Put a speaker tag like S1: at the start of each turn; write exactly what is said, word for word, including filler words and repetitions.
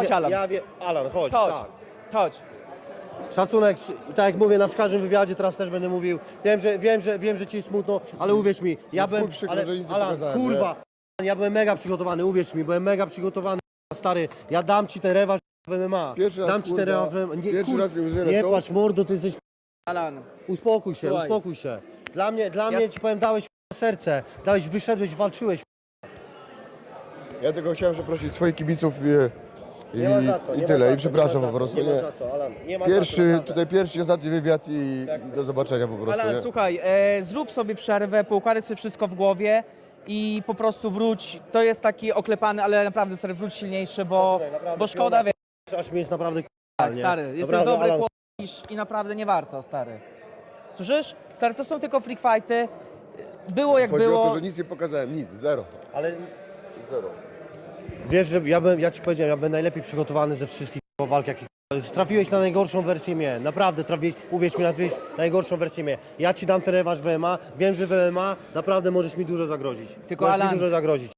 S1: Chodź, Alan.
S2: Ja wie, Alan, chodź,
S1: Chodź,
S2: tak.
S1: chodź.
S2: Szacunek, i tak jak mówię na w każdym wywiadzie, teraz też będę mówił. Wiem, że wiem, że wiem, że ci jest smutno, ale uwierz mi, ja
S3: No w chuj
S2: byłem.
S3: przykro,
S2: Ale,
S3: że nic nie
S2: Alan,
S3: pokazałem,
S2: kurwa, ja byłem mega przygotowany, uwierz mi, byłem mega przygotowany, stary. Ja dam ci ten rewanż w M M A.
S3: Pierwszy raz,
S2: dam ci ten
S3: kurwa,
S2: rewanż w M M A. Nie,
S3: pierwszy
S2: kur...
S3: raz mi łzy
S2: nie
S3: lecą.
S2: płacz mordo, ty jesteś.
S1: Alan.
S2: Uspokój się,
S1: Słuchaj.
S2: uspokój się. Dla mnie, dla
S1: Ja
S2: mnie
S1: s-
S2: ci powiem, dałeś serce, dałeś, wyszedłeś, walczyłeś.
S3: Ja tylko chciałem przeprosić swoich kibiców i, i,
S2: Nie ma za co,
S3: i
S2: nie ma
S3: tyle.
S2: za
S3: I co,
S2: nie
S3: przepraszam
S2: ma
S3: po
S2: za
S3: prostu.
S2: co, nie ma
S3: Nie.
S2: za co, Alan, nie ma za co,
S3: Pierwszy,
S2: naprawdę.
S3: tutaj pierwszy, ostatni wywiad i, i do zobaczenia po prostu.
S1: Alan,
S3: Nie?
S1: słuchaj, e, zrób sobie przerwę, poukładaj sobie wszystko w głowie i po prostu wróć. To jest taki oklepany, ale naprawdę stary, wróć silniejszy, bo,
S2: Szacunek, naprawdę,
S1: bo szkoda,
S2: piona-
S1: wiesz,
S2: Aż mi jest naprawdę
S1: tak,
S2: nie?
S1: stary, jesteś
S2: Naprawdę,
S1: dobry
S2: Alan,
S1: chłopak i- i naprawdę nie warto, stary. Słyszysz? Stary, to są tylko freak fighty. Było jak
S3: Chodzi
S1: było.
S3: o to, że nic nie pokazałem, nic, zero.
S2: Ale
S3: Zero.
S2: wiesz, że ja, bym, ja ci powiedziałem, ja byłem najlepiej przygotowany ze wszystkich walk, jakich trafiłeś na najgorszą wersję mnie, naprawdę trafiłeś, uwierz mi, trafiłeś na najgorszą wersję mnie. Ja ci dam ten rewanż w M M A, wiem, że w M M A naprawdę możesz mi dużo zagrozić.
S1: Tylko
S2: możesz
S1: Alan,
S2: mi dużo zagrozić.